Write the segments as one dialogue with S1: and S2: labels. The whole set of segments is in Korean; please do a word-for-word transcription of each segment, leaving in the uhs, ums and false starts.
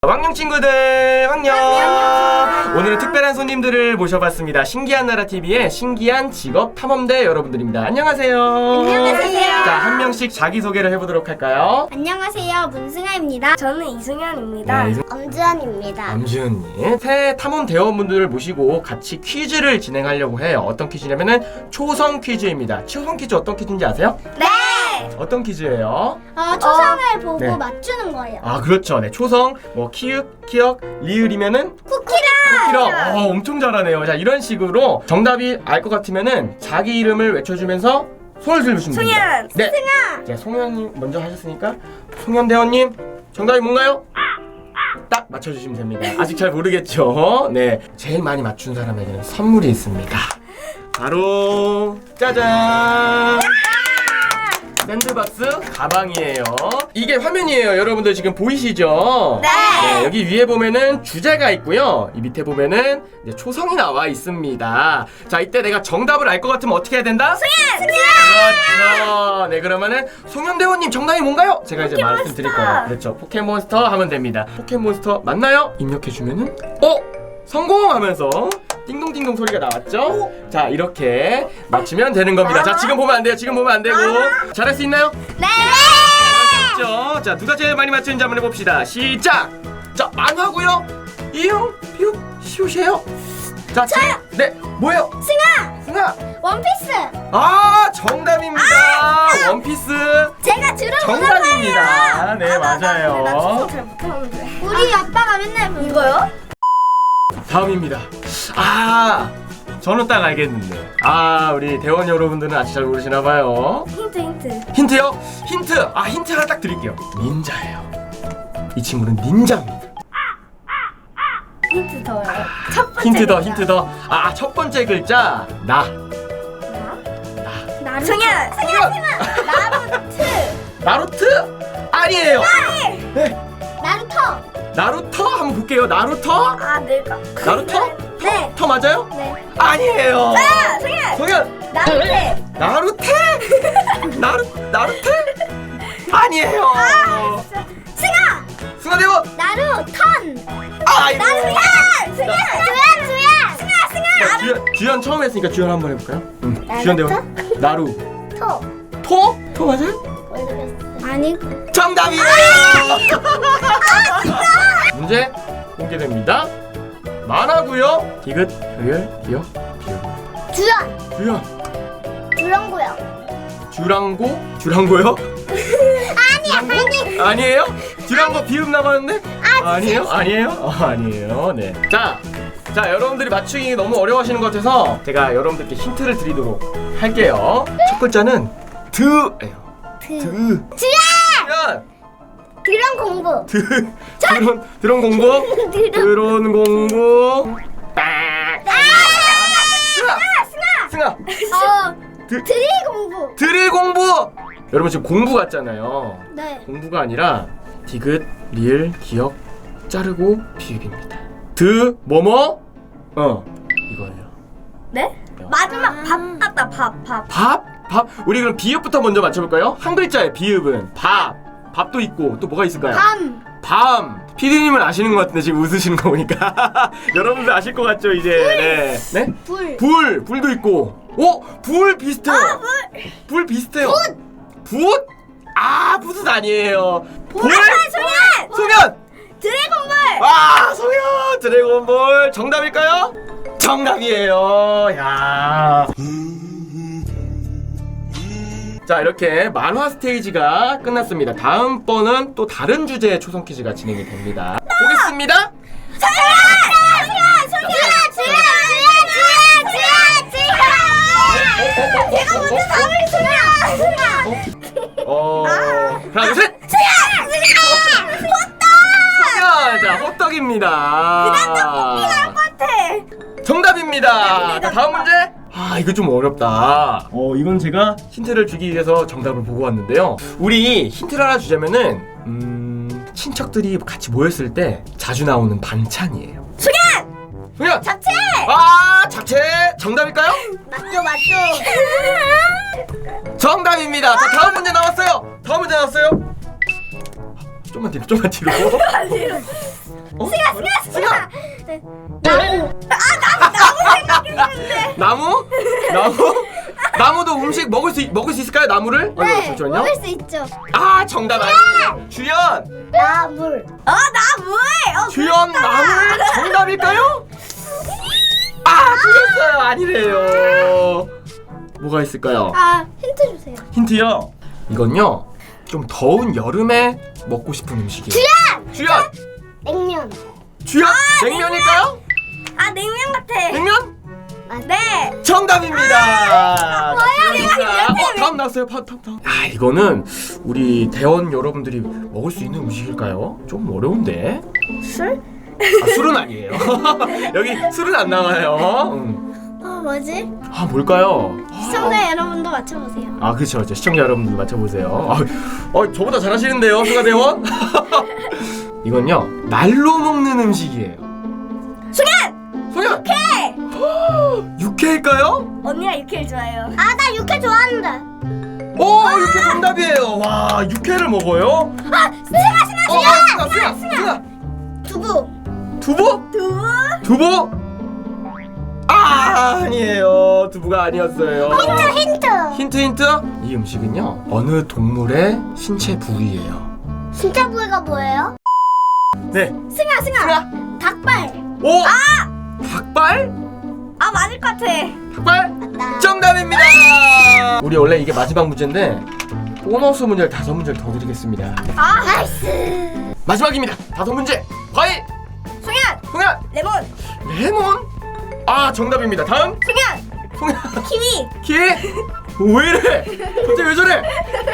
S1: 왕녕 친구들 왕녕.
S2: 안녕.
S1: 오늘은 특별한 손님들을 모셔봤습니다. 신기한 나라 티비의 신기한 직업 탐험대 여러분들입니다. 안녕하세요.
S2: 안녕하세요.
S1: 자, 한 명씩 자기소개를 해보도록 할까요?
S2: 안녕하세요, 문승아입니다. 저는 이승현입니다.
S1: 네, 이승-
S2: 엄주환입니다.
S1: 남지은님. 새 탐험 대원분들을 모시고 같이 퀴즈를 진행하려고 해요. 어떤 퀴즈냐면은 초성 퀴즈입니다. 초성 퀴즈 어떤 퀴즈인지 아세요?
S2: 네.
S1: 어떤 퀴즈예요?
S2: 어, 초성을 보고
S1: 네.
S2: 맞추는 거예요.
S1: 아, 그렇죠. 네, 초성, 뭐 키읔, 키역, 리을이면은
S2: 쿠키랑.
S1: 쿠키랑. 어, 엄청 잘하네요. 자, 이런 식으로 정답이 알 것 같으면은 자기 이름을 외쳐주면서 손을 들으시면 됩니다.
S2: 송현,
S1: 네.
S2: 승아.
S1: 자, 송현님 먼저 하셨으니까 송현 대원님 정답이 뭔가요? 딱 맞춰주시면 됩니다. 아직 잘 모르겠죠? 네, 제일 많이 맞춘 사람에게는 선물이 있습니다. 바로 짜잔! 샌드박스 가방이에요. 이게 화면이에요. 여러분들 지금 보이시죠?
S2: 네.
S1: 네, 여기 위에 보면은 주제가 있고요. 이 밑에 보면은 이제 초성이 나와 있습니다. 자, 이때 내가 정답을 알 것 같으면 어떻게 해야 된다?
S2: 승현.
S1: 그렇죠. 네, 그러면은 송현 대원님 정답이 뭔가요? 제가 이제 말씀드릴 거예요. 그렇죠. 포켓몬스터 하면 됩니다. 포켓몬스터 맞나요? 입력해주면은 어? 성공하면서 띵동띵동 소리가 나왔죠? 자, 이렇게 맞추면 되는 겁니다. 자, 지금 보면 안 돼요. 지금 보면 안 되고. 잘할 수 있나요?
S2: 네.
S1: 잘할 수 있죠? 자, 누가 제일 많이 맞추는지 한번 해봅시다. 시작! 자, 만화고요. 이응, 피읍, 시옷이에요. 자, 저요. 네, 뭐예요?
S2: 승아.
S1: 승아.
S2: 원피스.
S1: 아, 정답입니다. 원피스
S2: 제가 주로
S1: 정답입니다. 네, 맞아요.
S2: 잘 못하는데. 우리 아빠가 맨날 이거요?
S1: 다음입니다. 아, 저는 딱 알겠는데. 아, 우리 대원 여러분들은 아직 잘 모르시나 봐요.
S2: 힌트 힌트.
S1: 힌트요? 힌트. 아, 힌트 하나 딱 드릴게요. 닌자예요. 이 친구는 닌자입니다.
S2: 힌트 더요. 첫 번째.
S1: 힌트 더,
S2: 글자.
S1: 힌트 더. 아, 첫 번째 글자 나.
S2: 나? 나루토. 승현. 승현. 나루트.
S1: 나루트? 아니에요. 네.
S2: 나루토.
S1: 나루터 한번 볼게요. 나루터?
S2: 아, 내가.
S1: 나루터?
S2: 네.
S1: 터 맞아요?
S2: 네.
S1: 아니에요.
S2: 아, 승현.
S1: 성현.
S2: 나루테.
S1: 나루테? 나루 나루테? 아니에요.
S2: 승아.
S1: 승아대원.
S2: 나루턴.
S1: 아이고.
S2: 나루현. 승현. 주연. 주연. 승아. 승아.
S1: 자, 주연 주연 처음 했으니까 주연 한번 해볼까요? 응.
S2: 나루터?
S1: 주연 대원. 나루.
S2: 토.
S1: 토? 토 맞아요?
S2: 아니.
S1: 정답이에요. 문제 공개됩니다. 만화고요. 디귿, 효율, 기억, 비읍.
S2: 주연.
S1: 주연.
S2: 주렁고요.
S1: 주랑고? 주랑고요?
S2: 아니 아니.
S1: 아니에요? 주랑고 비읍 나가는데? 아, 아니에요? 아니에요? 어, 아니에요. 네. 자, 자 여러분들이 맞추기 너무 어려워하시는 것 같아서 제가 여러분들께 힌트를 드리도록 할게요. 첫 글자는 드예요.
S2: 드.
S1: 드.
S2: 주연.
S1: 주연.
S2: 드럼 공부.
S1: 드. 드론 드론 공부.
S2: 드럼.
S1: 드론 공부. 딱. 승아.
S2: 승아.
S1: 승아.
S2: 어.
S1: 드.
S2: 드릴 공부.
S1: 드릴 공부. 여러분 지금 공부 같잖아요.
S2: 네.
S1: 공부가 아니라 디귿, 리을, 기역, 자르고 비읍입니다. 드 뭐뭐? 어 이거예요.
S2: 네? 마지막 밥 같다. 밥 밥.
S1: 밥? 밥? 우리 그럼 비읍부터 먼저 맞춰볼까요? 한 글자의 비읍은 밥. 밥도 있고 또 뭐가 있을까요?
S2: 밤.
S1: 밤. 피디님은 아시는 것 같은데 지금 웃으시는 거 보니까 여러분들 아실 것 같죠 이제. 네. 네?
S2: 불.
S1: 불. 불도 있고. 오! 불 비슷해요.
S2: 아, 불.
S1: 불 비슷해요. 붓? 아, 붓은 아니에요. 볼?
S2: 아, 소년.
S1: 소면!
S2: 드래곤볼.
S1: 아, 소면! 드래곤볼 정답일까요? 정답이에요. 야. 자, 이렇게 만화 스테이지가 끝났습니다. 다음번은 또 다른 주제의 초성 퀴즈가 진행이 됩니다. 보겠습니다.
S2: 제가 먼저 답을 소년.
S1: 어, 하나, 둘, 셋! 소면! 자, 호떡입니다.
S2: 똑같아.
S1: 정답입니다. 자, 다음 문제. 아, 이거 좀 어렵다. 어, 이건 제가 힌트를 주기 위해서 정답을 보고 왔는데요. 우리 힌트를 하나 주자면은 음, 친척들이 같이 모였을 때 자주 나오는 반찬이에요.
S2: 소년.
S1: 소년!
S2: 잡채.
S1: 아, 잡채 정답일까요?
S2: 맞죠 맞죠.
S1: 정답입니다. 자, 다음 문제 나왔어요. 다음 문제 나왔어요. 좀만 뒤로, 좀만 뒤로. 어?
S2: 승아 승아 승아. 네.
S1: 나무? 나무? 나무도 음식 먹을 수 먹을 수 있을까요? 나무를? 어,
S2: 네.
S1: 잠시만요.
S2: 먹을 수 있죠.
S1: 아 정답 아니에요. 주연.
S2: 나물. 어 나물. 어,
S1: 주연
S2: 그렇다.
S1: 나물 정답일까요? 아 틀렸어요. 아니래요. 뭐가 있을까요?
S2: 아 힌트 주세요.
S1: 힌트요. 이건요 좀 더운 여름에 먹고 싶은 음식이에요.
S2: 주연.
S1: 주연.
S2: 냉면.
S1: 주연. 냉면일까요?
S2: 아 냉면 같아.
S1: 냉면?
S2: 아, 네.
S1: 정답입니다.
S2: 뭐야,
S1: 어, 다음 나왔어요. 파, 다음, 다음. 아, 이거는 우리 대원 여러분들이 먹을 수 있는 음식일까요? 좀 어려운데.
S2: 술?
S1: 아, 술은 아니에요. 여기 술은 안 나와요. 음.
S2: 어 뭐지?
S1: 아, 뭘까요?
S2: 시청자 여러분도 맞춰보세요.
S1: 아, 그렇죠, 그렇죠. 시청자 여러분들 맞춰보세요. 아, 어, 저보다 잘하시는데요, 수가 대원. 이건요, 날로 먹는 음식이에요.
S2: 승현.
S1: 소연.
S2: 육회.
S1: 육회일까요?
S2: 언니가 육회를 좋아해요. 아 나 육회 좋아하는데.
S1: 오, 육회 정답이에요. 와, 육회를 먹어요?
S2: 아 승아 승아
S1: 어, 아, 승아, 승아, 승아.
S2: 두부.
S1: 두부?
S2: 두부.
S1: 두부? 아, 아니에요. 두부가 아니었어요.
S2: 힌트 힌트.
S1: 힌트 힌트. 이 음식은요 어느 동물의 신체 부위예요.
S2: 진짜 부위가 뭐예요?
S1: 네.
S2: 승아 승아.
S1: 승아.
S2: 닭발.
S1: 오. 아. 닭발?
S2: 아 맞을 것 같아.
S1: 닭발?
S2: 맞다.
S1: 정답입니다. 우리 원래 이게 마지막 문제인데 보너스 문제를 다섯 문제를 더 드리겠습니다.
S2: 아 나이스.
S1: 마지막입니다. 다섯 문제. 과일.
S2: 승현.
S1: 송현.
S2: 레몬.
S1: 레몬. 아 정답입니다. 다음.
S2: 승현.
S1: 송현.
S2: 키위.
S1: 키위? 왜 이래? 갑자기 왜 저래?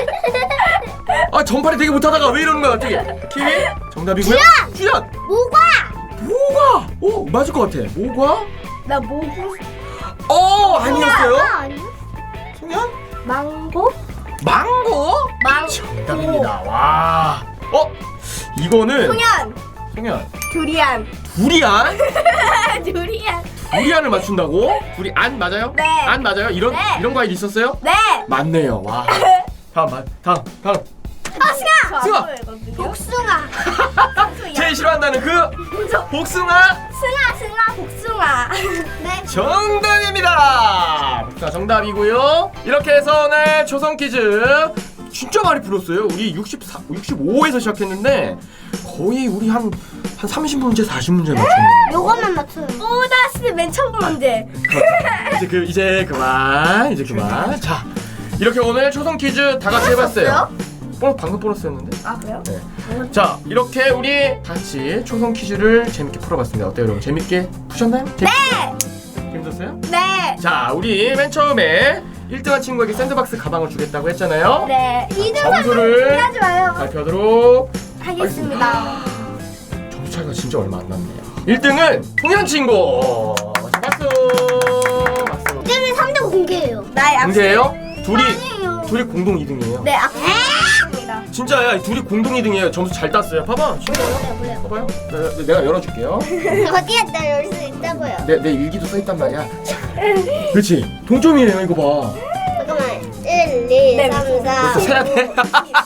S1: 아 전파리 되게 못하다가 왜 이러는 거야 갑자기? 키위? 정답이고요.
S2: 주연!
S1: 주연.
S2: 모과.
S1: 모과. 오 맞을 것 같아. 모과?
S2: 나 모구.
S1: 어 아니었어요?
S2: 아니야?
S1: 송현?
S2: 망고.
S1: 망고?
S2: 망고.
S1: 정답입니다. 와. 어? 이거는
S2: 승현.
S1: 송현.
S2: 두리안.
S1: 두리안?
S2: 두리안.
S1: 두리안을 맞춘다고? 두리안 맞아요?
S2: 네.
S1: 안 맞아요? 이런
S2: 네.
S1: 이런 과일 있었어요?
S2: 네.
S1: 맞네요. 와. 다음 마- 다음 다음.
S2: 아 승아.
S1: 승아.
S2: 복숭아.
S1: 제일 싫어한다는 그 복숭아
S2: 승아 승아 복숭아. 네.
S1: 정답입니다. 복숭아 정답이고요. 이렇게 해서 오늘 초성 퀴즈 진짜 많이 풀었어요. 우리 육십사, 육십오에서 시작했는데 거의 우리 한, 한 삼십 문제, 사십 문제 맞췄네요.
S2: 요것만 맞춰요. 오다시 맨 첫 문제.
S1: 이제 그 이제 그만 이제 그만. 자 이렇게 오늘 초성 퀴즈 다 같이 해봤어요. 어, 방금 보너스였는데.
S2: 아 그래요?
S1: 네. 자 이렇게 우리 같이 초성 퀴즈를 재밌게 풀어봤습니다. 어때요 여러분? 재밌게 푸셨나요? 재밌...
S2: 네.
S1: 재밌었어요?
S2: 네.
S1: 자 우리 맨 처음에 일 등한 친구에게 샌드박스 가방을 주겠다고 했잖아요.
S2: 네. 이 등
S1: 점수를
S2: 하지 마요.
S1: 발표하도록
S2: 하겠습니다.
S1: 점수 차이가 진짜 얼마 안 났네요. 일 등은 통현 친구. 자, 박수. 박수.
S2: 이제는 삼 등 공개예요. 나의
S1: 공개예요? 둘이
S2: 아니에요.
S1: 둘이 공동 이 등이에요.
S2: 네, 악수입니다.
S1: 진짜야. 둘이 공동 이 등이에요. 점수 잘 땄어요. 봐봐. 진짜요?
S2: 뭐래요?
S1: 봐봐요. 내, 내가 열어줄게요.
S2: 어디에 나 열 수 있다고요?
S1: 내, 내 일기도 써있단 말이야. 그렇지. 동점이에요. 이거 봐.
S2: 잠깐만. 일, 이,
S1: 네,
S2: 삼, 사,
S1: 벌써 세야 돼?
S2: 칠,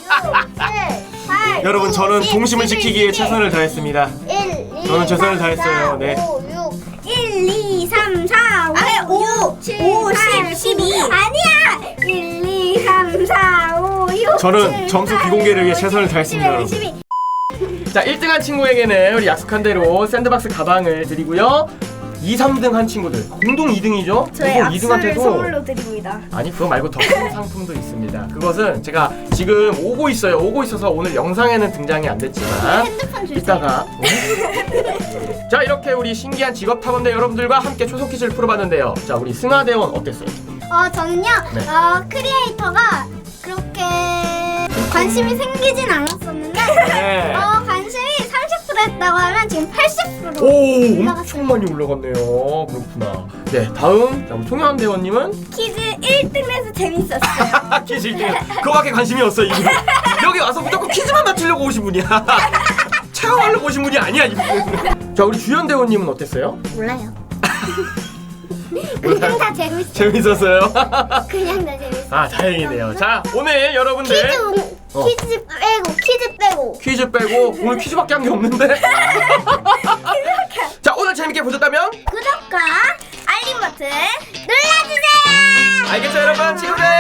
S2: 팔,
S1: 여러분 저는
S2: 십,
S1: 동심을
S2: 십일,
S1: 지키기에
S2: 십이,
S1: 최선을 다했습니다.
S2: 일, 이,
S1: 저는 최선을
S2: 삼,
S1: 다했어요.
S2: 사,
S1: 네.
S2: 오, 육, 일, 이, 삼, 사, 오, 칠, 팔, 십이. 아니야. 일, 이, 삼, 사, 오, 육.
S1: 저는
S2: 칠,
S1: 점수
S2: 팔,
S1: 비공개를 위해
S2: 구,
S1: 최선을
S2: 십,
S1: 다했습니다,
S2: 십일,
S1: 여러분.
S2: 십이.
S1: 자 일 등한 친구에게는 우리 약속한 대로 샌드박스 가방을 드리고요. 이, 삼 등 한 친구들 공동 이 등이죠?
S2: 저의
S1: 공동 이
S2: 악수를
S1: 등한테도
S2: 선물로 드립니다.
S1: 아니 그거 말고 더 큰 상품도 있습니다. 그것은 제가 지금 오고 있어요. 오고 있어서 오늘 영상에는 등장이 안 됐지만
S2: 핸드폰 주세요.
S1: 이따가 자 이렇게 우리 신기한 직업 탐험대 여러분들과 함께 초성 퀴즈를 풀어봤는데요. 자 우리 승하대원 어땠어요?
S2: 어 저는요.
S1: 네.
S2: 어 크리에이터가 그렇게 관심이 생기진 않았었는데
S1: 네.
S2: 어 관심이 삼십 퍼센트 했다고 하면 지금 팔십 퍼센트로
S1: 오
S2: 올라갔어요.
S1: 엄청 많이 올라갔네요. 그렇구나. 네 다음 자, 우리 통현 대원님은
S2: 퀴즈 일 등 해서 재밌었어요.
S1: 퀴즈 일 등 그거밖에 관심이 없어 이분. 여기 와서 무조건 퀴즈만 맞추려고 오신 분이야. 체험하려고 오신 분이 아니야 이분. 자 우리 주연 대원님은 어땠어요?
S2: 몰라요. 그냥 다 재밌어요.
S1: 재밌었어요?
S2: 그냥 다 재밌어요.
S1: 아 다행이네요. 자 오늘 여러분들
S2: 퀴즈 운-
S1: 어.
S2: 퀴즈 빼고 퀴즈 빼고.
S1: 퀴즈 빼고 오늘 퀴즈밖에 한 게 없는데. 자, 오늘 재밌게 보셨다면
S2: 구독과 알림 버튼 눌러주세요.
S1: 알겠죠, 여러분? 친구들